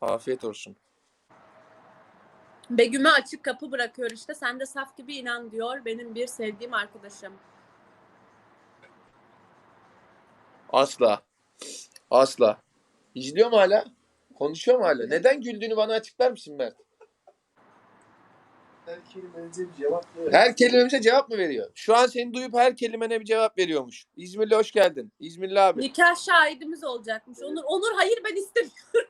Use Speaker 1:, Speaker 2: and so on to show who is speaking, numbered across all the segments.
Speaker 1: Afiyet olsun.
Speaker 2: Begüm'e açık kapı bırakıyor işte. Sen de saf gibi inan diyor benim bir sevdiğim arkadaşım.
Speaker 1: Asla. Asla. İzliyor mu hala? Konuşuyor mu hala? Neden güldüğünü bana açıklar mısın Mert?
Speaker 3: Her kelimenize bir cevap veriyor.
Speaker 1: Her kelimemize cevap mı veriyor? Şu an seni duyup her kelimene bir cevap veriyormuş. İzmirli hoş geldin. İzmirli abi.
Speaker 2: Nikah şahidimiz olacakmış. Onur hayır ben istemiyorum.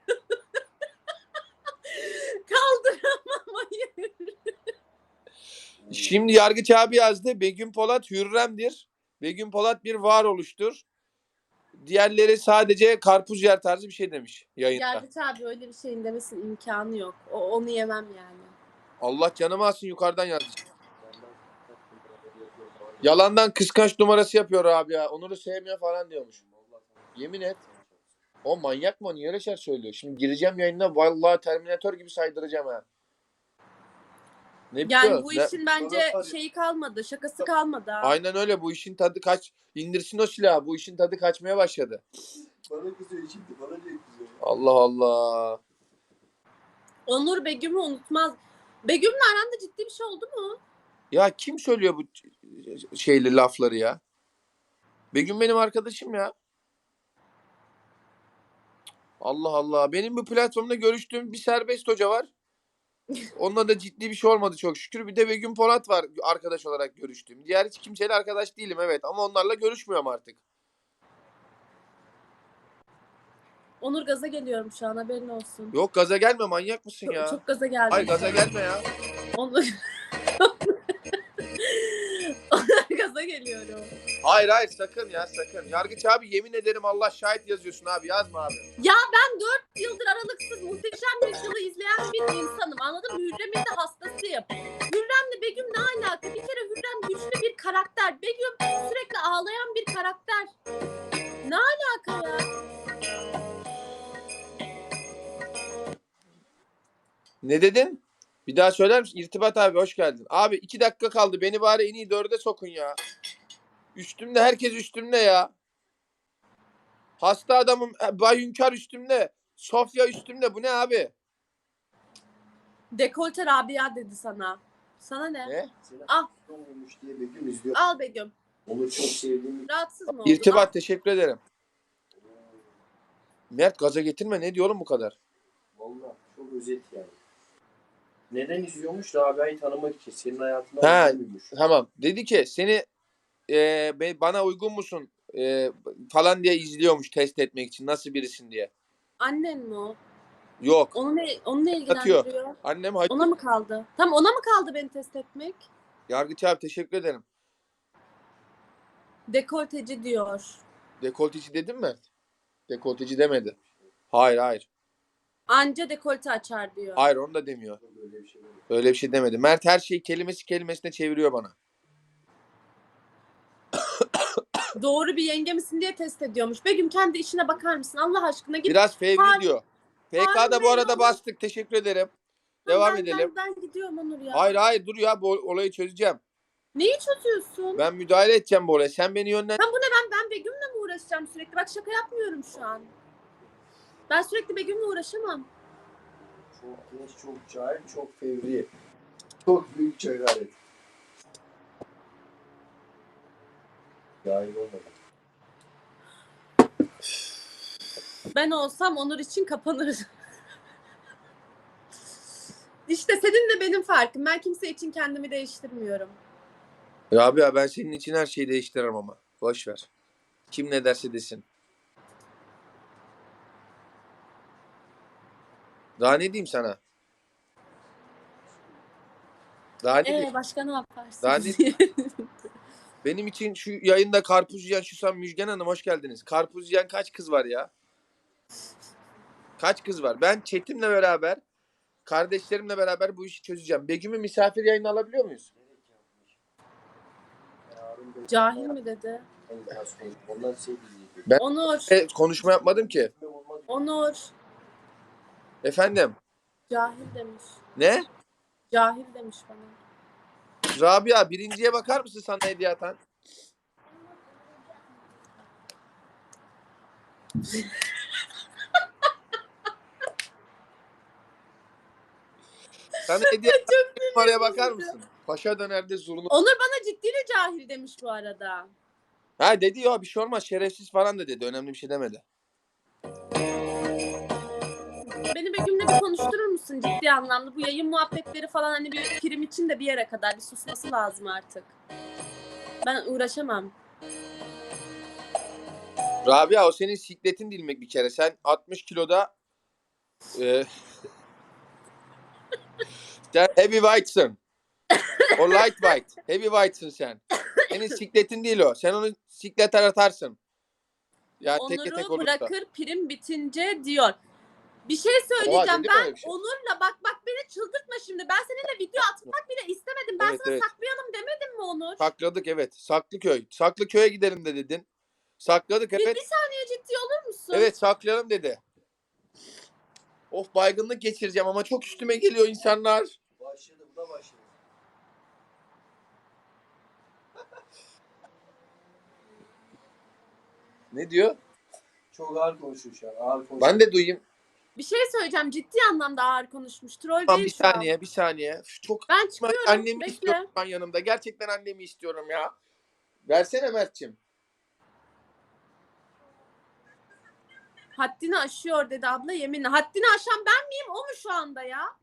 Speaker 2: Kaldıramam hayır.
Speaker 1: Şimdi Yargıç abi yazdı. Begüm Polat Hürrem'dir. Begüm Polat bir varoluştur. Diğerleri sadece karpuz yer tarzı bir şey demiş yayında.
Speaker 2: Yargıç abi öyle bir şeyin demesinin imkanı yok. Onu yemem yani.
Speaker 1: Allah canımı alsın yukarıdan yazdı. Yalandan kıskanç numarası yapıyor abi ya. Onur'u sevmiyor falan diyormuş. Yemin et. O manyak mı? Niye öyle şeyler söylüyor? Şimdi gireceğim yayına vallahi Terminator gibi saydıracağım ha. Ne
Speaker 2: Yani
Speaker 1: biliyor?
Speaker 2: bu işin bence şeyi kalmadı. Şakası kalmadı.
Speaker 1: Aynen öyle. Bu işin tadı indirsin o silahı. Bu işin tadı kaçmaya başladı.
Speaker 3: Bana kızıyor şimdi. Bana ne kızıyor?
Speaker 1: Allah Allah.
Speaker 2: Onur Begüm'ü unutmaz. Begüm'le aranda ciddi bir şey oldu mu?
Speaker 1: Ya kim söylüyor bu şeyli lafları ya? Begüm benim arkadaşım ya. Allah Allah. Benim bu platformda görüştüğüm bir serbest hoca var. Onunla da ciddi bir şey olmadı çok şükür. Bir de Begüm Polat var arkadaş olarak görüştüğüm. Diğer hiç kimseyle arkadaş değilim evet ama onlarla görüşmüyorum artık.
Speaker 2: Onur gaza geliyorum şu an haberin olsun.
Speaker 1: Yok gaza gelme manyak mısın ya?
Speaker 2: Çok gaza geldim.
Speaker 1: Hayır gaza gelme ya.
Speaker 2: Onur gaza geliyorum.
Speaker 1: Hayır sakın ya sakın. Yargıç abi yemin ederim Allah şahit yazıyorsun abi yazma abi.
Speaker 2: Ya ben 4 yıldır aralıksız Muhteşem Yüzyıl'ı izleyen bir insanım anladın mı? Hürrem'in de hastasıyım. Hürrem'le Begüm ne alaka? Bir kere Hürrem güçlü bir karakter. Begüm sürekli ağlayan bir karakter. Ne alaka ya?
Speaker 1: Ne dedin? Bir daha söyler misin? İrtibat abi hoş geldin. Abi 2 dakika kaldı. Beni bari en iyi 4'e sokun ya. Üstümde herkes üstümde ya. Hasta adamım Bay Hünkar üstümde. Sofya üstümde. Bu ne abi?
Speaker 2: Dekolte Rabia dedi sana. Sana ne?
Speaker 1: Ne?
Speaker 2: Al.
Speaker 3: Olmuş diye Begüm izliyor.
Speaker 2: Al Begüm.
Speaker 3: Onu çok sevdiğim.
Speaker 2: Rahatsız mı oldun?
Speaker 1: İrtibat
Speaker 2: Al.
Speaker 1: teşekkür ederim. Mert gaza getirme. Ne diyorum bu kadar?
Speaker 3: Vallahi çok özet yani. Neden izliyormuş? Rabia'yı tanımak için. Senin hayatına
Speaker 1: Ha,
Speaker 3: uygunmuş.
Speaker 1: tamam. Dedi ki seni bana uygun musun falan diye izliyormuş test etmek için. Nasıl birisin diye.
Speaker 2: Annen mi o?
Speaker 1: Yok.
Speaker 2: Onu ne ilgilendiriyor?
Speaker 1: Annem
Speaker 2: Ona mı kaldı? Tam ona mı kaldı beni test etmek?
Speaker 1: Yargıç abi teşekkür ederim.
Speaker 2: Dekolteci diyor.
Speaker 1: Dekolteci dedim mi? Dekolteci demedi. Hayır.
Speaker 2: Anca dekolte açar diyor.
Speaker 1: Hayır onu da demiyor.
Speaker 3: Böyle bir şey yok.
Speaker 1: Öyle bir şey demedi. Mert her şeyi kelimesine çeviriyor bana.
Speaker 2: Doğru bir yenge misin diye test ediyormuş. Begüm kendi işine bakar mısın? Allah aşkına git.
Speaker 1: Biraz fevri
Speaker 2: Harun-
Speaker 1: diyor. PK'da
Speaker 2: Harun
Speaker 1: bu arada
Speaker 2: Bey,
Speaker 1: bastık. Teşekkür ederim. Devam
Speaker 2: ben,
Speaker 1: edelim.
Speaker 2: Ben gidiyorum Onur ya.
Speaker 1: Hayır dur ya bu olayı çözeceğim.
Speaker 2: Neyi çözüyorsun?
Speaker 1: Ben müdahale edeceğim bu olaya. Sen beni yönlendir.
Speaker 2: Tam bu ne ben Begüm'le mi uğraşacağım sürekli? Bak şaka yapmıyorum şu an. Ben sürekli Begüm'le uğraşamam.
Speaker 3: Çok genç, çok cahil, çok fevri. Çok büyük cehalet. Cahil olmadı.
Speaker 2: Ben olsam Onur için kapanırım. İşte senin de benim farkım. Ben kimse için kendimi değiştirmiyorum.
Speaker 1: Ya abi ya ben senin için her şeyi değiştiririm ama. Boş ver. Kim ne derse desin. Daha ne diyeyim sana? Daha ne diyeyim?
Speaker 2: Başka ne yaparsın?
Speaker 1: Daha ne Benim için şu yayında karpuz yiyen Şusam Müjgan Hanım hoş geldiniz. Karpuz yiyen kaç kız var ya? Kaç kız var? Ben Çetin'le beraber, kardeşlerimle beraber bu işi çözeceğim. Begüm'ü misafir yayına alabiliyor muyuz?
Speaker 2: Cahil mi dedi?
Speaker 3: Ondan şey bilmiyor.
Speaker 1: Ben
Speaker 2: Onur.
Speaker 1: konuşma yapmadım ki.
Speaker 2: Onur.
Speaker 1: Efendim?
Speaker 2: Cahil demiş.
Speaker 1: Ne?
Speaker 2: Cahil demiş bana.
Speaker 1: Rabia birinciye bakar mısın sana hediye atan? Sana hediye numaraya bakar mısın? Paşa dönerde zurna.
Speaker 2: Onur bana ciddiyle cahil demiş bu arada.
Speaker 1: Ha dedi ya bir şey olmaz şerefsiz falan da dedi. Önemli bir şey demedi.
Speaker 2: Beni Begüm'le bir konuşturur musun ciddi anlamda? Bu yayın muhabbetleri falan hani bir prim için de bir yere kadar bir susması lazım artık. Ben uğraşamam.
Speaker 1: Rabia o senin sikletin dilmek bir kere. Sen 60 kiloda sen heavyweights'ın. O lightweight. Heavyweights'ın sen. Senin sikletin değil o. Sen onu siklet atarsın. Yani teke tek
Speaker 2: Onur'u
Speaker 1: olursa.
Speaker 2: bırakır prim bitince diyor. Bir şey
Speaker 1: Oha,
Speaker 2: söyleyeceğim.
Speaker 1: dedi mi öyle
Speaker 2: Ben
Speaker 1: bir şey?
Speaker 2: Onur'la bak beni çıldırtma şimdi. Ben seninle video atmak bile istemedim. Ben
Speaker 1: Evet,
Speaker 2: sana
Speaker 1: evet.
Speaker 2: saklayalım demedim mi Onur?
Speaker 1: Sakladık evet. Saklıköy. Saklıköy'e gidelim de dedin. Sakladık
Speaker 2: Bir
Speaker 1: evet.
Speaker 2: saniye ciddi olur musun?
Speaker 1: Evet saklayalım dedi. Of baygınlık geçireceğim ama çok üstüme geliyor insanlar.
Speaker 3: Başladı, bu da başladı.
Speaker 1: Ne diyor?
Speaker 3: Çok ağır konuşuyor şu an. Ağır konuşuyor.
Speaker 1: Ben de duyayım.
Speaker 2: Bir şey söyleyeceğim. Ciddi anlamda ağır konuşmuş. Troll
Speaker 1: Tamam
Speaker 2: değil
Speaker 1: bir
Speaker 2: şu an.
Speaker 1: saniye bir saniye. Üf, çok
Speaker 2: Ben çıkıyorum.
Speaker 1: annemi
Speaker 2: Bekle.
Speaker 1: istiyorum ben yanımda. Gerçekten annemi istiyorum ya. Versene Mert'cim.
Speaker 2: Haddini aşıyor dedi abla yeminle. Haddini aşan ben miyim o mu şu anda ya?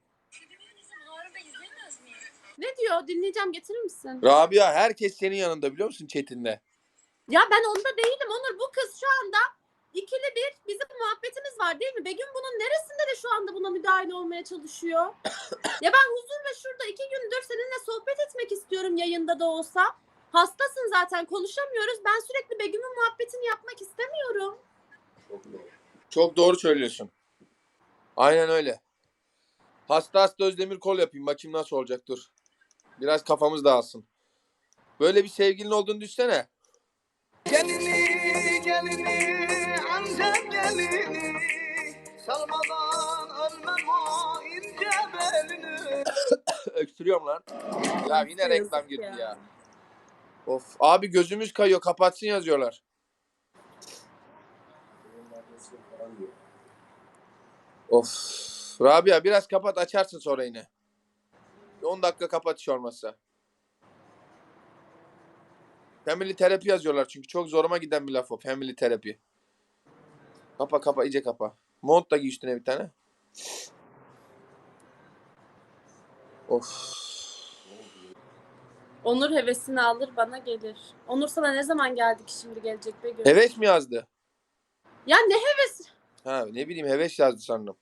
Speaker 2: Ne diyor? Dinleyeceğim getirir misin?
Speaker 1: Rabia herkes senin yanında biliyor musun Çetin'le?
Speaker 2: Ya ben onda değilim Onur. Bu kız şu anda ikili bir bizim muhabbetimiz var değil mi? Begüm bunun neresinde de şu anda buna müdahale olmaya çalışıyor? Ya ben huzurla şurada 2 gündür seninle sohbet etmek istiyorum yayında da olsa. Hastasın zaten konuşamıyoruz. Ben sürekli Begüm'ün muhabbetini yapmak istemiyorum.
Speaker 3: Çok doğru.
Speaker 1: Çok doğru söylüyorsun. Aynen öyle. Hasta Özdemir kol yapayım. Bakayım nasıl olacak dur. Biraz kafamız dağılsın. Böyle bir sevgilin olduğunu düşsene.
Speaker 4: Gelini Antep gelini salmadan ölmem o ince belini.
Speaker 1: Öksürüyorum lan. Ya yine
Speaker 2: Yazık
Speaker 1: reklam girdi ya. Of abi gözümüz kayıyor kapatsın yazıyorlar.
Speaker 3: Falan diyor.
Speaker 1: Of. Rabia biraz kapat açarsın sonra yine. 10 dakika kapat hiç olmazsa. Family terapi yazıyorlar çünkü çok zoruma giden bir laf o. Family terapi. Kapa iyice kapa. Mont da giy üstüne bir tane. Of.
Speaker 2: Onur hevesini alır bana gelir. Onur sana ne zaman geldi ki şimdi gelecek Begüm?
Speaker 1: Heves mi yazdı?
Speaker 2: Ya ne heves?
Speaker 1: Ha ne bileyim heves yazdı sandım.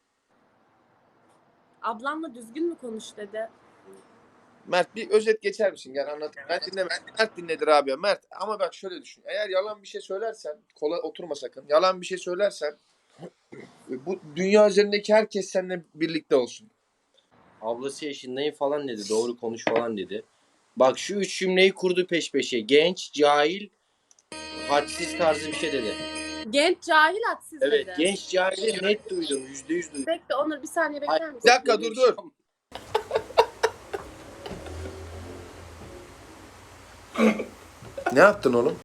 Speaker 2: Ablamla düzgün mü konuş dedi.
Speaker 1: Mert bir özet geçer misin? Gel anlat. Ben dinlemedim. Mert dinledir abi. Mert ama bak şöyle düşün. Eğer yalan bir şey söylersen, kola oturma sakın. Yalan bir şey söylersen bu dünya üzerindeki herkes seninle birlikte olsun.
Speaker 3: Ablası yaşındayım falan dedi. Doğru konuş falan dedi. Bak şu 3 cümleyi kurdu peş peşe. Genç, cahil, hadsiz tarzı bir şey dedi.
Speaker 2: Genç cahil hadsiz
Speaker 3: Evet,
Speaker 2: dedi.
Speaker 3: genç cahili net duydum. %100 duydum.
Speaker 2: Bekle Onur bir saniye bekler
Speaker 3: Hayır,
Speaker 2: misin?
Speaker 1: Bir dakika dur. Ne yaptın oğlum?